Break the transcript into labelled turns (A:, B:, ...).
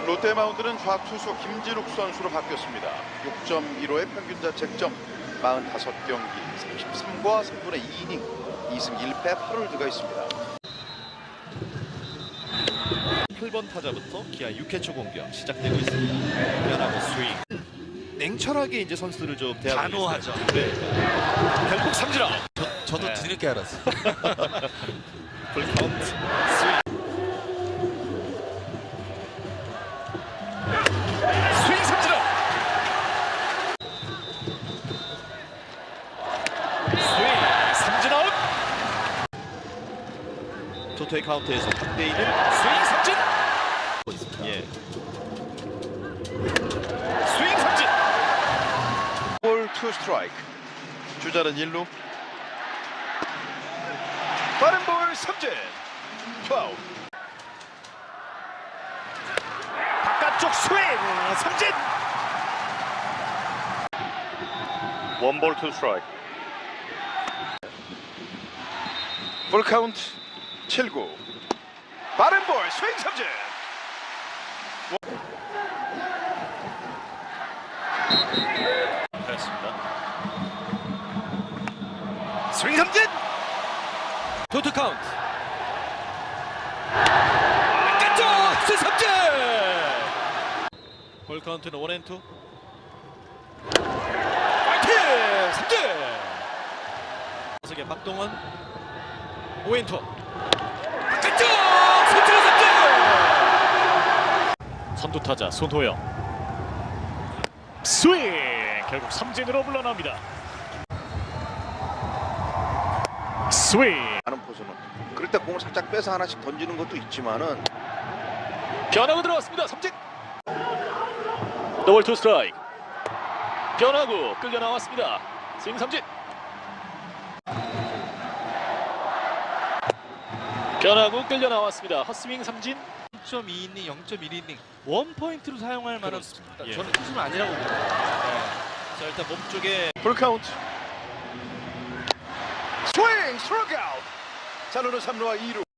A: 롯데 마운드는 좌투수 김진욱 선수로 바뀌었습니다. 6.15의 평균 자책점 45경기 33과 3분의 2이닝 2승 1패 8홀드가 있습니다.
B: 8번 타자부터 기아 6회 초 공격 시작되고 있습니다. 변화구 스윙. 냉철하게 이제 선수들을 좀 대하고
C: 단호하죠.
B: 네. 결국 삼진아웃.
C: 저도
B: 네.
C: 뒤늦게 알았어요.
B: 풀카운트 스윙. 스윙 삼진아웃. 스윙 삼진아웃. 토토의 카운트에서 3대2는 스윙 삼진. 예. 스윙 삼진.
A: 볼 투 스트라이크. 주자는 1루. 빠른 볼 삼진. 파울.
B: 바깥쪽 스윙 삼진. 원볼 투 스트라이크.
A: 풀 카운트 7구. 빠른 볼 스윙 삼진.
B: 그렇습니다. 스윙 삼진. 토트 카운트. 바깥쪽 스윙 삼진. 볼 카운트는 1&2. 파이팅 삼진. 타석의 박동원 5&2. 바깥쪽 삼진 삼진. 선두 타자 손호영. 스윙 결국 삼진으로 물러납니다. 스윙
A: 하는 포수는 그럴 때 공을 살짝 빼서 하나씩 던지는 것도 있지만은
B: 변화구 들어왔습니다. 삼진. 더블 투 스트라이크. 변화구 끌려 나왔습니다. 스윙 삼진. 변화구 끌려 나왔습니다. 헛스윙 삼진.
C: 0.2이닝, 0.1이닝 원 포인트로 사용할 만한.
B: 예.
C: 저는 투수는 아니라고 봅니다.
B: 자 일단 몸쪽에
A: 풀 카운트. 스윙 스트라이크 아웃. 자루는 3루와 2루.